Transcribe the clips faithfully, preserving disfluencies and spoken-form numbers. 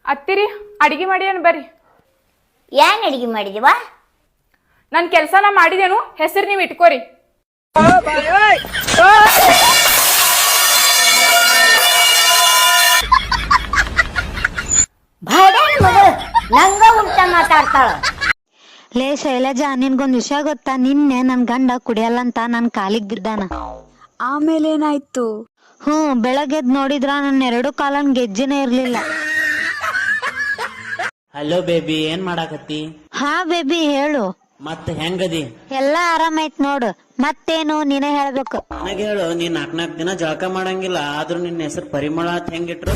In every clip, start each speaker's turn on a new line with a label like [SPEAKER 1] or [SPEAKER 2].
[SPEAKER 1] ಅತ್ತಿರಿ ಅಡಿಗೆ ಮಾಡಿ ಬರ್ರಿ.
[SPEAKER 2] ಏನ್ ಅಡಿಗೆ ಮಾಡಿದೀವ?
[SPEAKER 1] ನನ್ ಕೆಲ್ಸ ನಾ ಮಾಡಿದೇನು, ಹೆಸರು ನೀವ್ ಇಟ್ಕೋರಿ.
[SPEAKER 2] ನಂಗ ಉಂಟ ಮಾತಾಡ್ತಾಳ.
[SPEAKER 3] ಲೇ ಶೈಲಜಾ, ನಿನ್ಗೊಂದ್ ವಿಷಯ ಗೊತ್ತಾ? ನಿನ್ನೆ ನನ್ ಗಂಡ ಕುಡಿಯಲ್ಲ ಅಂತ ನನ್ ಕಾಲಿಗ್ ಬಿದ್ದಾನ.
[SPEAKER 4] ಆಮೇಲೆ ಏನಾಯ್ತು?
[SPEAKER 3] ಹ್ಮ್, ಬೆಳಗ್ಗೆದ್ ನೋಡಿದ್ರ ನನ್ನ ಎರಡು ಕಾಲನ್ ಗೆಜ್ಜೆನೇ ಇರ್ಲಿಲ್ಲ.
[SPEAKER 5] ಹಲೋ ಬೇಬಿ, ಏನ್ ಮಾಡಾಕತ್ತಿ?
[SPEAKER 3] ಹಾ ಬೇಬಿ, ಹೇಳು.
[SPEAKER 5] ಮತ್ ಹೆಂಗದಿ?
[SPEAKER 3] ಎಲ್ಲಾ ಆರಾಮೈತ್ ನೋಡು. ಮತ್ತೇನು ನೀನೇ ಹೇಳ್ಬೇಕು.
[SPEAKER 5] ನನಗೆ ಹೇಳು, ನೀ ನಾಕ್ ನಾಕ್ ದಿನ ಜಳಕ ಮಾಡಂಗಿಲ್ಲ, ಆದ್ರೂ ನಿನ್ನ ಹೆಸರು ಪರಿಮಳ ಅಂತ ಹೆಂಗಿಟ್ರು?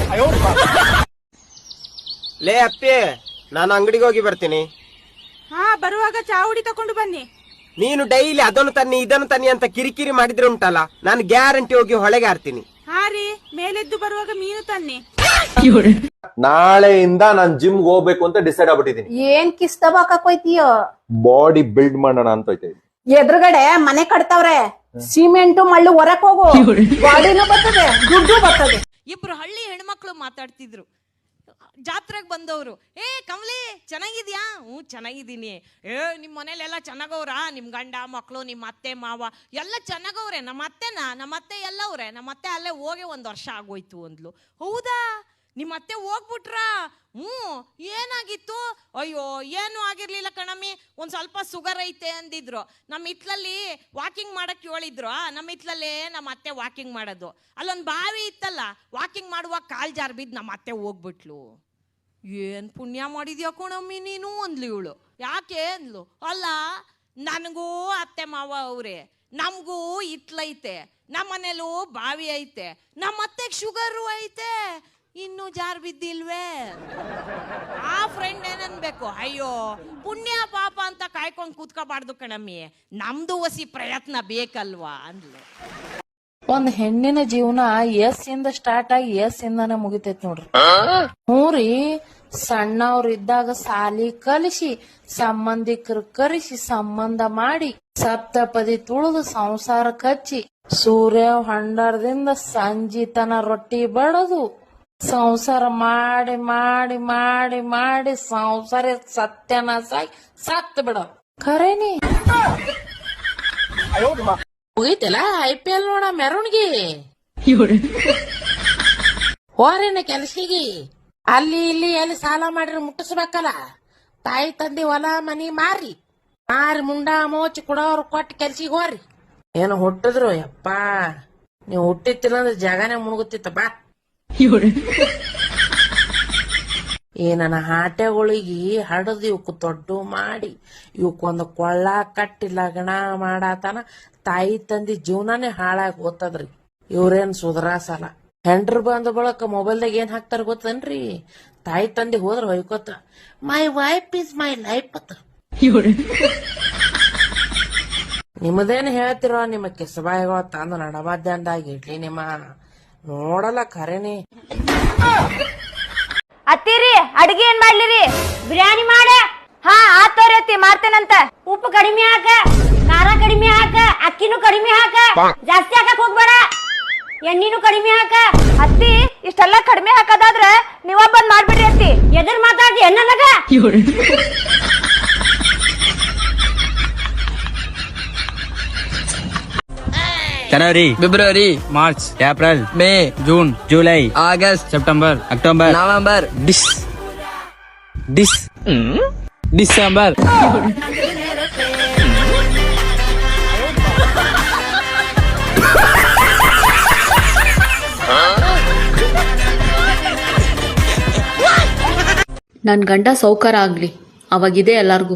[SPEAKER 6] ಲೇ ಅಪ್ಪಿ, ನಾನು ಅಂಗಡಿಗೆ ಹೋಗಿ ಬರ್ತೀನಿ.
[SPEAKER 7] ಹಾ, ಬರುವಾಗ ಚಾ ಹುಡಿ ತಕೊಂಡು ಬನ್ನಿ.
[SPEAKER 6] ನೀನು ಡೈಲಿ ಅದನ್ನು ತನ್ನಿ ಇದನ್ನು ತನ್ನಿ ಅಂತ ಕಿರಿಕಿರಿ ಮಾಡಿದ್ರೆ ಉಂಟಲ್ಲ, ನಾನು ಗ್ಯಾರಂಟಿ ಹೋಗಿ ಹೊಳೆಗೆ ಆಡ್ತೀನಿ.
[SPEAKER 7] ಹಾ ರೀ, ಮೇಲೆದ್ದು ಬರುವಾಗ ಮೀನು ತನ್ನಿ.
[SPEAKER 8] ನಾಳೆಯಿಂದ ನಾನ್ ಜಿಮ್ ಹೋಗ್ಬೇಕು ಅಂತ ಡಿಸೈಡ್ ಆಗ್ಬಿಟ್ಟಿದೀನಿ.
[SPEAKER 9] ಏನ್ ಕಿಸ್ತಬಾಕೋಯ್ತೀಯೋ?
[SPEAKER 8] ಬಾಡಿ ಬಿಲ್ಡ್ ಮಾಡೋಣ ಅಂತ ಹೋಯ್ತಾ ಇದ್ದೀನಿ.
[SPEAKER 9] ಎದುರುಗಡೆ ಮನೆ ಕಟ್ತಾವ್ರೆ, ಸಿಮೆಂಟು ಮಳ್ಳು ಹೊರಕ್ ಹೋಗು, ಬಾಡಿನೂ ಬರ್ತದೆ, ದುಡ್ಡು ಬರ್ತದೆ.
[SPEAKER 7] ಇಬ್ರು ಹಳ್ಳಿ ಹೆಣ್ಮಕ್ಳು ಮಾತಾಡ್ತಿದ್ರು. ಜಾತ್ರೆಗೆ ಬಂದವರು, ಏ ಕಮಲಿ ಚೆನ್ನಾಗಿದ್ಯಾ? ಹ್ಞೂ ಚೆನ್ನಾಗಿದ್ದೀನಿ. ಏ ನಿಮ್ಮ ಮನೇಲೆಲ್ಲ ಚೆನ್ನಾಗವ್ರ? ನಿಮ್ಮ ಗಂಡ ಮಕ್ಕಳು, ನಿಮ್ಮ ಅತ್ತೆ ಮಾವ ಎಲ್ಲ ಚೆನ್ನಾಗವ್ರೆ. ನಮ್ಮ ಅತ್ತೆನ ನಮ್ಮ ಅತ್ತೆ ಎಲ್ಲವ್ರೆ. ನಮ್ಮ ಅತ್ತೆ ಅಲ್ಲೇ ಹೋಗಿ ಒಂದು ವರ್ಷ ಆಗೋಯ್ತು ಅಂದ್ಲು. ಹೌದಾ, ನಿಮ್ಮ ಅತ್ತೆ ಹೋಗ್ಬಿಟ್ರಾ? ಹ್ಞೂ, ಏನಾಗಿತ್ತು? ಅಯ್ಯೋ ಏನೂ ಆಗಿರ್ಲಿಲ್ಲ ಕಣಮ್ಮಿ, ಒಂದು ಸ್ವಲ್ಪ ಸುಗರ್ ಐತೆ ಅಂದಿದ್ರು. ನಮ್ಮ ಹಿತ್ಲಲ್ಲಿ ವಾಕಿಂಗ್ ಮಾಡಕ್ಕೆ ಹೇಳಿದ್ರು. ನಮ್ಮ ಹಿತ್ಲಲ್ಲೇ ನಮ್ಮ ಅತ್ತೆ ವಾಕಿಂಗ್ ಮಾಡೋದು. ಅಲ್ಲೊಂದು ಬಾವಿ ಇತ್ತಲ್ಲ, ವಾಕಿಂಗ್ ಮಾಡುವಾಗ ಕಾಲ್ ಜಾರ್ ಬಿದ್ದು ನಮ್ಮ ಅತ್ತೆ ಹೋಗ್ಬಿಟ್ಲು. ಏನು ಪುಣ್ಯ ಮಾಡಿದ್ಯಾ ಕಣಮ್ಮಿ ನೀನು ಅಂದ್ಲು ಇವಳು. ಯಾಕೆ ಅಂದ್ಲು. ಅಲ್ಲ, ನನಗೂ ಅತ್ತೆ ಮಾವ ಅವ್ರೆ, ನಮಗೂ ಹಿತ್ಲೈತೆ, ನಮ್ಮ ಮನೇಲೂ ಬಾವಿ ಐತೆ, ನಮ್ಮ ಅತ್ತೆಗೆ ಶುಗರು ಐತೆ, ಇನ್ನು ಜಾರ್ ಬಿದ್ದಿಲ್ವೇ? ಆ ಫ್ರೆಂಡ್ ಏನನ್ಬೇಕು, ಅಯ್ಯೋ ಪುಣ್ಯ ಪಾಪ ಅಂತ ಕಾಯ್ಕೊಂಡು ಕೂತ್ಕೋಬಾರ್ದು ಕಣಮ್ಮಿ, ನಮ್ದು ಹೊಸಿ ಪ್ರಯತ್ನ ಬೇಕಲ್ವಾ ಅಂದ್ಲು.
[SPEAKER 10] ಒಂದ್ ಹೆಣ್ಣಿನ ಜೀವನ ಎಸ್ ಇಂದ ಸ್ಟಾರ್ಟ್ ಆಗಿ ಎಸ್ ಇಂದಾನೆ ಮುಗಿತೈತ್ ನೋಡ್ರಿ. ಹ್ಞೂ ರೀ, ಸಣ್ಣವ್ರ ಇದ್ದಾಗ ಸಾಲಿ ಕಲಿಸಿ, ಸಂಬಂಧಿಕರು ಕರೆಸಿ ಸಂಬಂಧ ಮಾಡಿ, ಸಪ್ತಪದಿ ತುಳಿದು ಸಂಸಾರ ಕಚ್ಚಿ, ಸೂರ್ಯ ಹೊಂಡರದಿಂದ ಸಂಜಿತನ ರೊಟ್ಟಿ ಬಡದು, ಸಂಸಾರ ಮಾಡಿ ಮಾಡಿ ಮಾಡಿ ಮಾಡಿ ಸಂಸಾರ ಸತ್ಯನಾಸಾಗಿ ಸತ್ ಬಿಡ. ಖರೇನಿ ಮುಗೀತಲ್ಲ ಐ ಪಿ ಎಲ್ ನೋಡ ಮೆರವಣಿಗೆ. ಹೋರೇನ ಕೆಲ್ಸಿಗೆ, ಅಲ್ಲಿ ಇಲ್ಲಿ ಎಲ್ಲಿ ಸಾಲ ಮಾಡಿದ್ರೆ ಮುಟ್ಟಿಸ್ಬೇಕಲ್ಲ. ತಾಯಿ ತಂದೆ ಹೊಲ ಮನಿ ಮಾರಿ ಮಾರಿ ಮುಂಡ ಮೋಚಿ ಕೊಡೋರು ಕೊಟ್ಟು ಕೆಲ್ಸಿಗೆ ಹೋರಿ. ಏನು ಹುಟ್ಟಿದ್ರು ಯಪ್ಪ, ನೀವು ಹುಟ್ಟಿತ್ತಿಲ್ಲ ಅಂದ್ರೆ ಜಗನೇ ಮುಣಗುತ್ತಿತ್ತ ಬಾ. ಈ ನನ್ನ ಹಾಟೆಗಳಿಗೆ ಹಡದು ಇವಕ್ ದೊಡ್ಡ ಮಾಡಿ ಇವಕ್ಕೊಂದು ಕೊಳ್ಳ ಕಟ್ಟಿ ಲಗ್ನ ಮಾಡಾತನ ತಾಯಿ ತಂದಿ ಜೀವನಾನೇ ಹಾಳಾಗಿ ಹೋತದ್ರಿ. ಇವ್ರೇನ್ ಸುಧಾರಸಲ್ಲ. ಹೆಂಡ್ರು ಬಂದ ಬಳಕ ಮೊಬೈಲ್ದಾಗ ಏನ್ ಹಾಕ್ತಾರ ಗೊತ್ತನ್ರಿ? ತಾಯಿ ತಂದಿ ಹೋದ್ರ ಹೊಯ್ಕೋತ, my wife is my life ಅತ್ತ. ನಿಮ್ಮದೇನ್ ಹೇಳ್ತಿರೋ, ನಿಮ್ಮ ಕೆಸಬಾಯಿಗಳ ತಂದು ನಡ ಮಧ್ಯಾಹ್ನದಾಗ ಇಡ್ಲಿ ನಿಮ್ಮ ನೋಡಲ್ಲ ಖರೇನಿ.
[SPEAKER 2] ಅತ್ತಿರಿ ಅಡಿಗೆ ಏನ್ ಮಾಡ್ಲಿರಿ? ಬಿರಿಯಾನಿ ಮಾಡ. ಹಾ ಆತೋರಿ ಅತ್ತಿ, ಮಾಡ್ತೇನಂತ. ಉಪ್ಪು ಕಡಿಮೆ ಹಾಕ, ಖಾರ ಕಡಿಮೆ ಹಾಕ, ಅಕ್ಕಿನೂ ಕಡಿಮೆ ಹಾಕ, ಜಾಸ್ತಿ ಹಾಕಕ್ ಹೋಗ್ಬೇಡ, ಎಣ್ಣಿನೂ ಕಡಿಮೆ ಹಾಕ.
[SPEAKER 1] ಅತ್ತಿ ಇಷ್ಟೆಲ್ಲ ಕಡಿಮೆ ಹಾಕದಾದ್ರ ನೀವ ಬಂದ್ ಮಾಡ್ಬಿಡ್ರಿ ಅತ್ತಿ.
[SPEAKER 2] ಎದುರು ಮಾತಾಡ್ತಿ ಎನ್ನಗ?
[SPEAKER 11] ಜನವರಿ, ಫೆಬ್ರವರಿ, March, April, May, June, July, ಆಗಸ್ಟ್, ಸೆಪ್ಟೆಂಬರ್, ಅಕ್ಟೋಬರ್, ನವೆಂಬರ್, ಡಿಸ್ ಡಿಸ್ ಡಿಸೆಂಬರ್.
[SPEAKER 12] ನನ್ ಗಂಡ ಸೌಕರ ಆಗ್ಲಿ, ಅವಾಗಿದೆ ಎಲ್ಲಾರ್ಗು.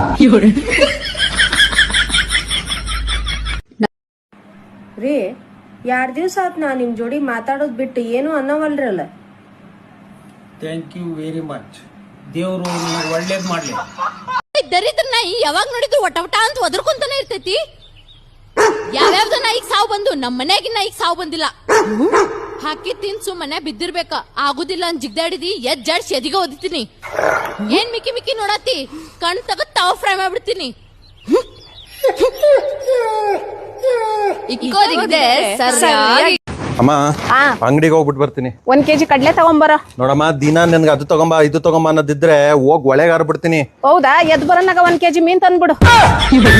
[SPEAKER 9] ರೀ, ಎರಡ್ ದಿವ್ಸ ಆತ್ ನಾ ನಿಮ್ ಜೋಡಿ ಮಾತಾಡೋದ್ ಬಿಟ್ಟು ಏನು ಅನ್ನವಲ್ರಲ್ಲ.
[SPEAKER 5] Thank you very much. ದೇವ್ರು ಒಳ್ಳೇದ್ ಮಾಡ್ಲಿ.
[SPEAKER 12] ದರಿದ್ರ ನಾಯಿ ಯಾವಾಗ ನೋಡಿದ್ರು ಒಟ ಒಟ ಅಂತ ಒದರ್ಕೊಂತಾನೆ ಇರ್ತೈತಿ. ಯಾವ್ಯಾವ್ದ ನಾಯಿಗ್ ಸಾವು ಬಂದು ನಮ್ ಮನ್ಯಾಗಿನ ನಾಯಿಗ್ ಸಾವು ಬಂದಿಲ್ಲ. ಹಾಕಿ ತಿನ್ಸು ಮನೆ ಬಿದ್ದಿರ್ಬೇಕ, ಆಗುದಿಲ್ಲ ಅಂತ ಜಿಗ್ದಾಡಿದಿ ಎದ್ ಜಾಡ್ಸಿ ಎದಿಗ ಓದಿತೀನಿ. ಏನ್ ಮಿಕ್ಕಿ ಮಿಕ್ಕಿ ನೋಡತ್ತಿ, ಕಣ್ ತಗದ್ ತಾವ ಫ್ರೈ ಮಾಡ್ಬಿಡ್ತೀನಿ. ಇಕ್ಕೋದಿದೆ ಸರಿಯಾಗಿ
[SPEAKER 8] ಅಮ್ಮ
[SPEAKER 9] ಹಾ
[SPEAKER 8] ಅಂಗಡಿಗೆ ಹೋಗ್ಬಿಟ್ಟು ಬರ್ತೀನಿ.
[SPEAKER 9] ಒಂದ್ ಕೆಜಿ ಕಡ್ಲೆ ತಗೊಂಬರ.
[SPEAKER 8] ನೋಡಮ್ಮ ದಿನ ನನ್ಗೆ ಅದು ತಗೊಂಬ ಇದು ತಗೊಂಬ ಅನ್ನೋದಿದ್ರೆ ಹೋಗ್ ಒಳಗಾರ ಬಿಡ್ತೀನಿ.
[SPEAKER 9] ಹೌದಾ? ಎದ್ ಬರೋನಾಗ ಒಂದ್ ಕೆಜಿ ಮೀನ್ ತಂದ್ಬಿಡು.